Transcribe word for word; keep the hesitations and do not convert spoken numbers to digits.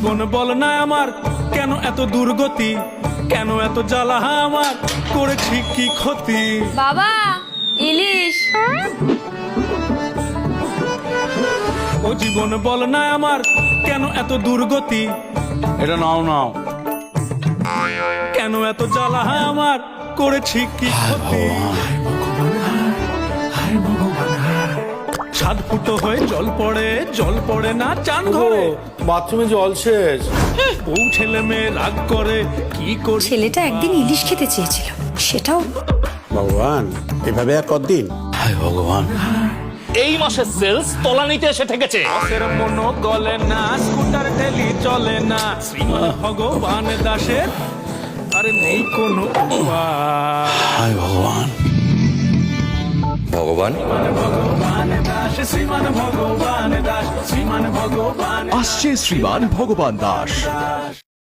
জীবন বল না আমার কেন এত দুর্গতি, কেন এত জ্বালা আমার, করেছি কি ক্ষতি। বাবা ইলিশ। ও জীবন বল না আমার কেন এত দুর্গতি, এটা নাও নাও। কেন এত জ্বালা আমার, করেছি কি ক্ষতি। ছাদ ফুটো হয়ে জল পড়ে, জল পড়ে না চান ঘরে, বাথরুমে জল শেষ। বউ ছেলে মেয়ে রাগ করে, কি করি। ছেলেটা একদিন ইলিশ খেতে চেয়েছিল, সেটাও ভগবান, এভাবে আর কতদিন? হায় ভগবান, এই মাসের সেলস তলানিতে এসে ঠেকেছে। আখের মনো গলে না, স্কুটার ঠেলি চলে না, শ্রীমান ভগবান দাসের আরে নেই কোনো উপায়। হায় ভগবান। ভগবান ভগবান দাস, শ্রীমান ভগবান দাস, শ্রীমান ভগবান আসছে শ্রীমান ভগবান দাস।